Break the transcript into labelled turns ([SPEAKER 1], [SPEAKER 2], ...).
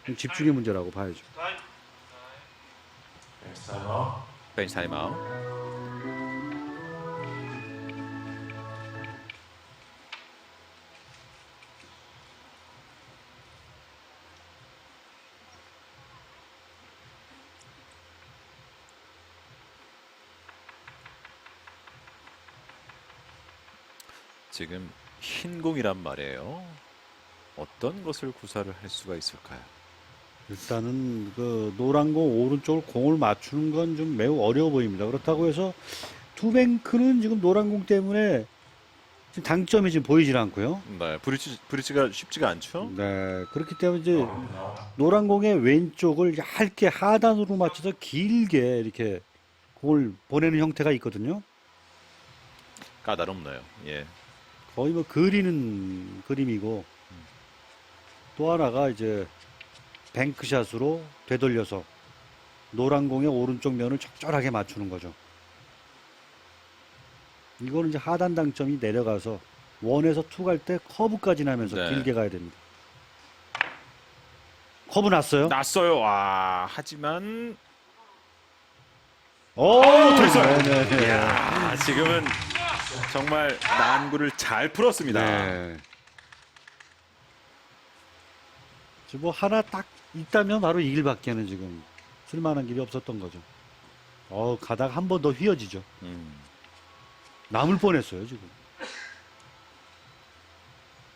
[SPEAKER 1] 집중의 문제라고 봐야죠.
[SPEAKER 2] 벤치 타임아웃. 지금 흰 공이란 말이에요. 어떤 것을 구사를 할 수가 있을까요?
[SPEAKER 1] 일단은 그 노란 공 오른쪽을 공을 맞추는 건 좀 매우 어려워 보입니다. 그렇다고 해서 투뱅크는 지금 노란 공 때문에 지금 당점이 지금 보이질 않고요.
[SPEAKER 2] 네, 브릿지가 쉽지가 않죠.
[SPEAKER 1] 네, 그렇기 때문에 이제 노란 공의 왼쪽을 얇게 하단으로 맞춰서 길게 이렇게 공을 보내는 형태가 있거든요.
[SPEAKER 2] 까다롭네요. 예.
[SPEAKER 1] 거의 뭐 그리는 그림이고, 또 하나가 이제 뱅크샷으로 되돌려서 노란 공의 오른쪽 면을 적절하게 맞추는 거죠. 이거는 이제 하단 당점이 내려가서 원에서 투 갈 때 커브까지 나면서
[SPEAKER 2] 네.
[SPEAKER 1] 길게 가야 됩니다. 커브 났어요.
[SPEAKER 2] 났어요. 와, 하지만
[SPEAKER 1] 됐어요. 네네네.
[SPEAKER 2] 야, 지금은 정말 난구를 잘 풀었습니다.
[SPEAKER 1] 네. 지금 뭐 하나 딱 있다면 바로 이 길밖에는 지금 쓸만한 길이 없었던 거죠. 가다가 한 번 더 휘어지죠. 남을 뻔했어요 지금.